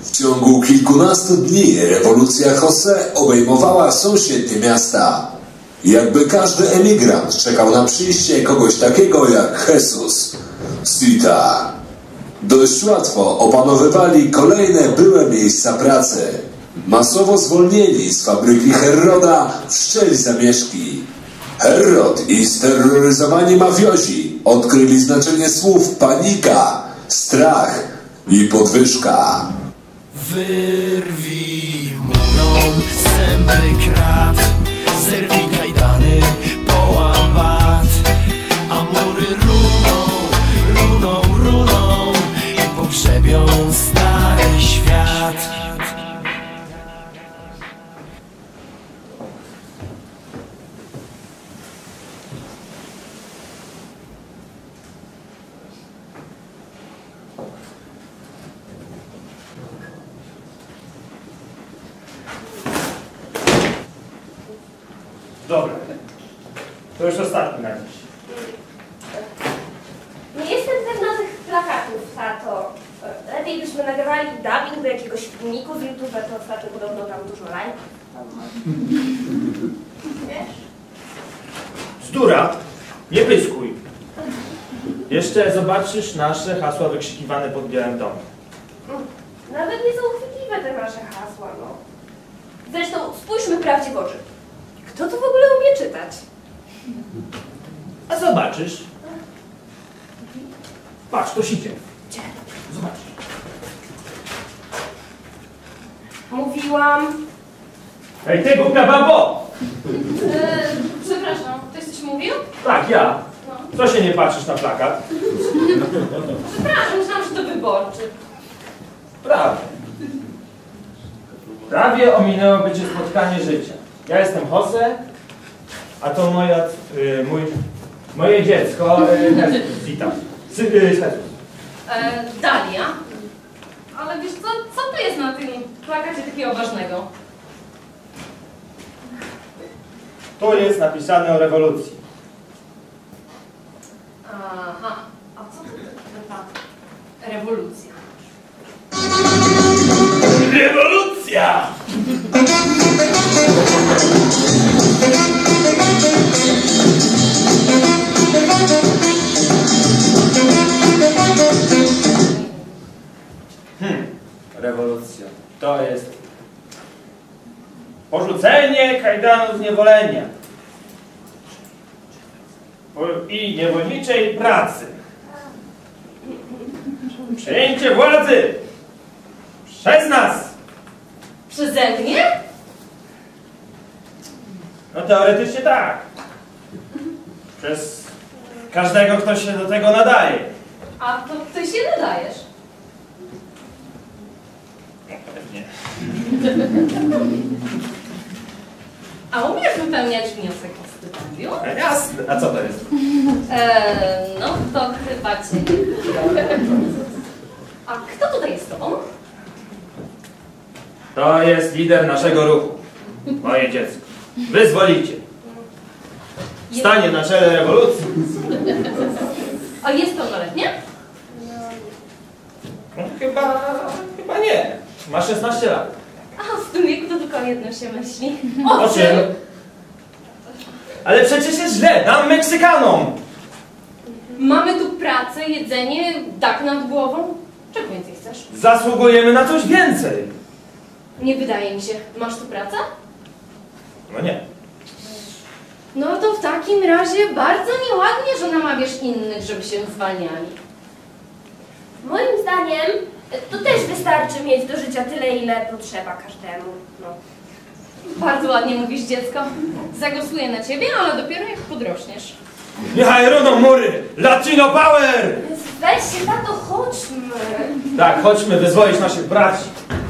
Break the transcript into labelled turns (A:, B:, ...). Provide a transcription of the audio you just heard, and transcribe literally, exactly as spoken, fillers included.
A: W ciągu kilkunastu dni rewolucja José obejmowała sąsiednie miasta. Jakby każdy emigrant czekał na przyjście kogoś takiego jak Jesus z Tita. Dość łatwo opanowywali kolejne byłe miejsca pracy. Masowo zwolnieni z fabryki Herroda wszczęli zamieszki. Herrod i steroryzowani mafiozi odkryli znaczenie słów panika, strach i podwyżka.
B: Wyrwij murą zęby krat, zerwij kajdany, połam bat, a mury runą, runą, runą i pogrzebią stary świat.
C: Dobra, to już ostatni na dziś.
D: Nie jestem pewna tych plakatów, tato. Lepiej byśmy nagrywali dubbing do jakiegoś filmiku z YouTube, to ostatnio podobno tam dużo lajków. Wiesz?
C: Bzdura, nie pyskuj. Jeszcze zobaczysz nasze hasła wykrzykiwane pod Białym Domem.
D: Nawet nie są chwytliwe te nasze hasła, no. Zresztą spójrzmy prawdzie w oczy. Kto tu w ogóle umie czytać?
C: A zobaczysz. Patrz, to sicie.
D: Gdzie?
C: Zobacz.
D: Mówiłam.
C: Ej, ty głupia babo!
D: Eee, przepraszam, ktoś coś mówił?
C: Tak, ja.
D: No.
C: Co się nie patrzysz na plakat?
D: Przepraszam, myślałam, że to wyborczy.
C: Prawie. Prawie ominęło być spotkanie życia. Ja jestem José, a to moja, y, mój, moje dziecko, y, Jesus, witam. Sy, y, Jesus.
E: E, Dalia? Ale wiesz co, co tu jest na tym plakacie takiego ważnego?
C: Tu jest napisane o rewolucji.
E: Aha, a co to ta rewolucja?
C: Rewolucja! Hmm, rewolucja. To jest porzucenie kajdanów zniewolenia i niewolniczej pracy. Przejęcie władzy przez nas.
E: Przeze mnie?
C: No teoretycznie tak. Przez każdego, kto się do tego nadaje.
E: A to ty się nadajesz.
C: Pewnie.
E: A umiesz wypełniać wniosek o stypendium?
C: No jasne. A co to jest?
E: E, no to chyba cię nie. A kto tutaj jest z tobą?
C: To jest lider naszego ruchu. Moje dziecko. Wyzwolicie. Stanie na czele rewolucji.
E: A jest pełnoletnie?
C: No, chyba, chyba nie. Ma szesnaście lat.
E: A w tym wieku to tylko o jedno się myśli.
C: O czym? Ale przecież jest źle. Dam Meksykanom.
E: Mamy tu pracę, jedzenie, dach nad głową. Czego więcej chcesz?
C: Zasługujemy na coś więcej.
E: Nie wydaje mi się. Masz tu pracę?
C: No nie.
E: No to w takim razie bardzo nieładnie, że namawiasz innych, żeby się zwalniali.
D: Moim zdaniem to też wystarczy mieć do życia tyle, ile potrzeba każdemu. No.
E: Bardzo ładnie mówisz, dziecko. Zagłosuję na ciebie, ale dopiero jak podrośniesz.
C: Niechaj runą mury! Latino Power!
D: Weź się, tato, chodźmy.
C: Tak, chodźmy wyzwolić naszych braci.